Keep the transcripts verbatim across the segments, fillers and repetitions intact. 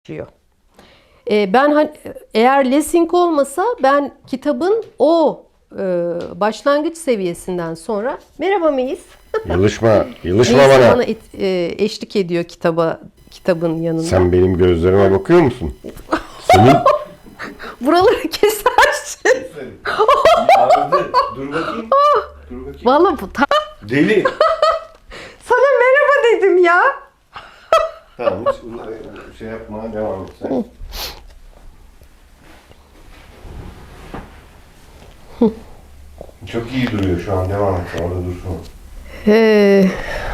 başlıyor. E, ben hani eğer Lessing olmasa ben kitabın o e, başlangıç seviyesinden sonra merhaba Meis. Yılışma, yılışma Meis bana. bana et, e, eşlik ediyor kitaba kitabın yanında. Sen benim gözlerime bakıyor musun? Senin Buraları kesersin. Ağrıdı. Dur bakayım. Dur bakayım. Vallahi bu ta- Deli. sana merhaba dedim ya. Tamam hiç şey yapma, devam et sen. Çok iyi duruyor şu an, devam et. Orada dursun. Ee,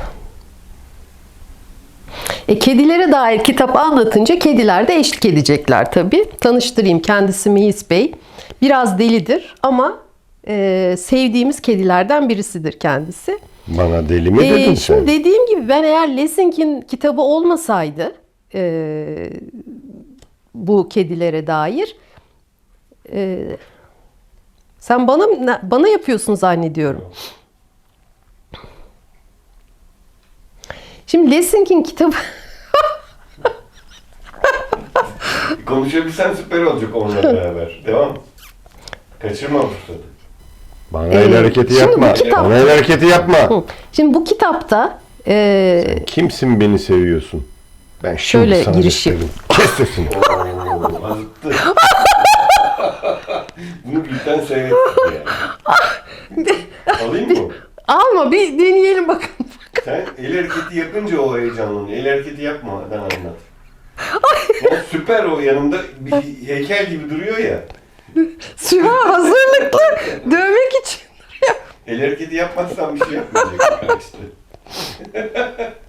e, kedilere dair kitap anlatınca kediler de eşlik edecekler tabii. Tanıştırayım, kendisi Meis Bey. Biraz delidir ama e, sevdiğimiz kedilerden birisidir kendisi. bana deli mi Ee, dedin şimdi sen? dediğim gibi ben eğer Lessing'in kitabı olmasaydı e, bu kedilere dair e, sen bana bana yapıyorsun zannediyorum. Şimdi Lessing'in kitabı Konuşabilsen süper olacak onunla beraber. Devam. Kaçırma bu fırsatı. Bana Ee, el hareketi şimdi yapma. bu kitap- Bana el hareketi yapma. Hı. Şimdi bu kitapta e, Kimsin beni seviyorsun? Ben şimdi Şöyle sana girişi. gösteririm. Kes sesini. Oo, azıttı. Bunu birden seyrettim yani. Alayım mı? alma bir deneyelim bakalım. Sen el hareketi yapınca o heyecanlanıyor. El hareketi yapmadan anlat. Ya süper o, yanımda bir heykel gibi duruyor ya. Süha hazırlıklı dövmek için. El hareketi yapmazsan bir şey yapmayacak işte.